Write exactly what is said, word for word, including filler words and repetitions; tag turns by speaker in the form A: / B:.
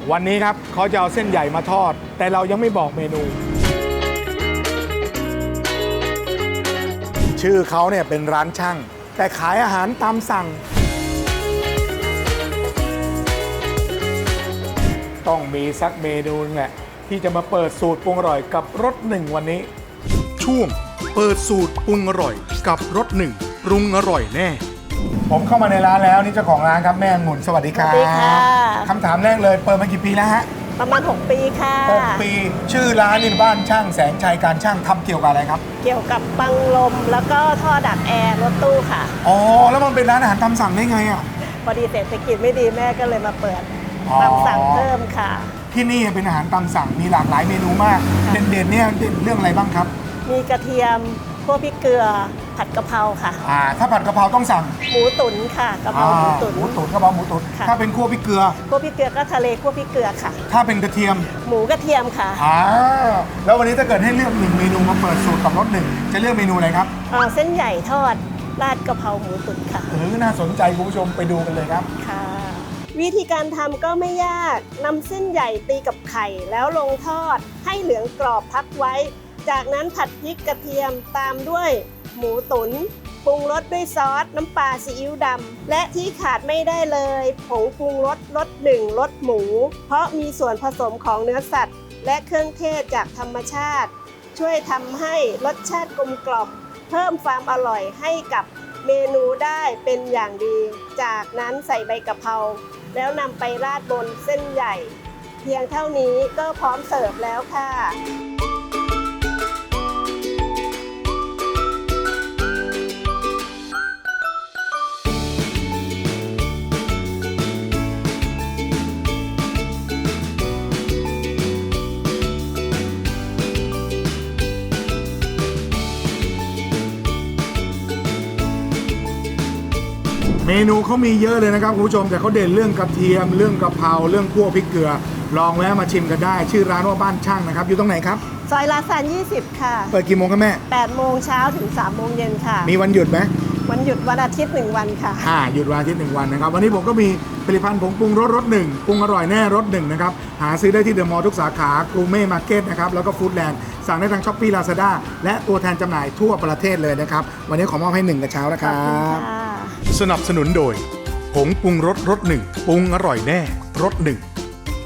A: วันนี้ครับเขาจะเอาเส้นใหญ่มาทอดแต่เรายังไม่บอกเมนูชื่อเขาเนี่ยเป็นร้านช่างแต่ขายอาหารตามสั่งต้องมีสักเมนูนึงแหละที่จะมาเปิดสูตรปรุงอร่อยกับรสหนึ่งวันนี้ช่วงเปิดสูตรปรุงอร่อยกับรสหนึ่งปรุงอร่อยแน่ผมเข้ามาในร้านแล้วนี่เจ้าของร้านครับแม่องุ่นสวัสดีครับ
B: สวัสดีค่ะ
A: คำถามแรกเลยเปิดมากี่ปีแล้วฮะ
B: ประมาณหกปีค่ะ
A: หกปีชื่อร้านนี่บ้านช่างแสงชัยการช่างทำเกี่ยวกับอะไรครับ
B: เกี่ยวกับบังลมแล้วก็ท่อดักแอร์รถตู้ค่ะ
A: อ๋อแล้วมันเป็นร้านอาหารตามสั่งได้ไงอ่ะ
B: พอดีเศรษฐกิจไม่ดีแม่ก็เลยมาเปิดตามสั่งเพิ่มค่ะ
A: ที่นี่เป็นอาหารตามสั่งมีหลากหลายเมนูมากเด่นๆเนี่ยเด่นเรื่องอะไรบ้างครับ
B: มีกระเทียมคั่วพริกเกลือผัดกะเพราค่ะ
A: อ่าถ้าผัดกะเพราต้องสั่ง
B: หมูตุ๋นค่ะกะเพราหมูตุ๋น
A: หมูตุ๋นกะเพราหมูตุ๋นถ้าเป็นคั่วพริกเกลือ
B: คั่วพริกเกลือก็ทะเลคั่วพริกเกลือค่ะ
A: ถ้าเป็นกระเทียม
B: หมูกระเทียมค่ะ
A: อ่าแล้ววันนี้ถ้าเกิดให้เลือกหนึ่งเมนูมาเปิดสูตรกับรสหนึ่งจะเลือกเมนูอะไรครับ
B: อ่าเส้นใหญ่ทอดราดกะเพราหมูตุ๋นค่ะ
A: เออน่าสนใจคุณผู้ชมไปดูกันเลยครับ
B: ค่ะวิธีการทำก็ไม่ยากนำเส้นใหญ่ตีกับไข่แล้วลงทอดให้เหลืองกรอบพักไว้จากนั้นผัดพริกกระเทียมตามด้วยหมูตุ๋นปรุงรสด้วยซอสน้ำปลาซีอิ๊วดำและที่ขาดไม่ได้เลยผงปรุงรสรสหนึ่งรสหมูเพราะมีส่วนผสมของเนื้อสัตว์และเครื่องเทศจากธรรมชาติช่วยทำให้รสชาติกลมกล่อมเพิ่มความอร่อยให้กับเมนูได้เป็นอย่างดีจากนั้นใส่ใบกะเพราแล้วนำไปราดบนเส้นใหญ่เพียงเท่านี้ก็พร้อมเสิร์ฟแล้วค่ะ
A: เมนูเขามีเยอะเลยนะครับคุณผู้ชมแต่เขาเด่นเรื่องกระเทียมเรื่องกะเพราเรื่องคั่วพริกเกลือลองแวะมาชิมกันได้ชื่อร้านว่าบ้านช่างนะครับอยู่ตรงไหนครับ
B: ซอยลาซานยี่สิบค่ะ
A: เปิดกี่โมงครับแม่
B: แปดโมงเช้าถึงสามโมงเย็นค่ะ
A: มีวันหยุดไหม
B: วันหยุดวันอาทิตย์หนึ่งวันค่ะ
A: อ่าหยุดวันอาทิตย์หนึ่งวันนะครับวันนี้ผมก็มีผลิตภัณฑ์ผงปรุงรสรสหนึ่งปรุงอร่อยแน่รสหนึ่งนะครับหาซื้อได้ที่เดอะมอลล์ทุกสาขากรูเม่มาร์เก็ตนะครับแล้วก็ฟู้ดแลนด์สั่งได้ทางช้อปปี้ลาซาด้าและตัวแทนจำหน่ายทั่วประเทศเลยนะครับวันนี้ขอมอบให้หนึ่งกระเช้านะครับสนับสนุนโดยผงปรุงรสรสหนึ่งปรุงอร่อยแน่รสหนึ่ง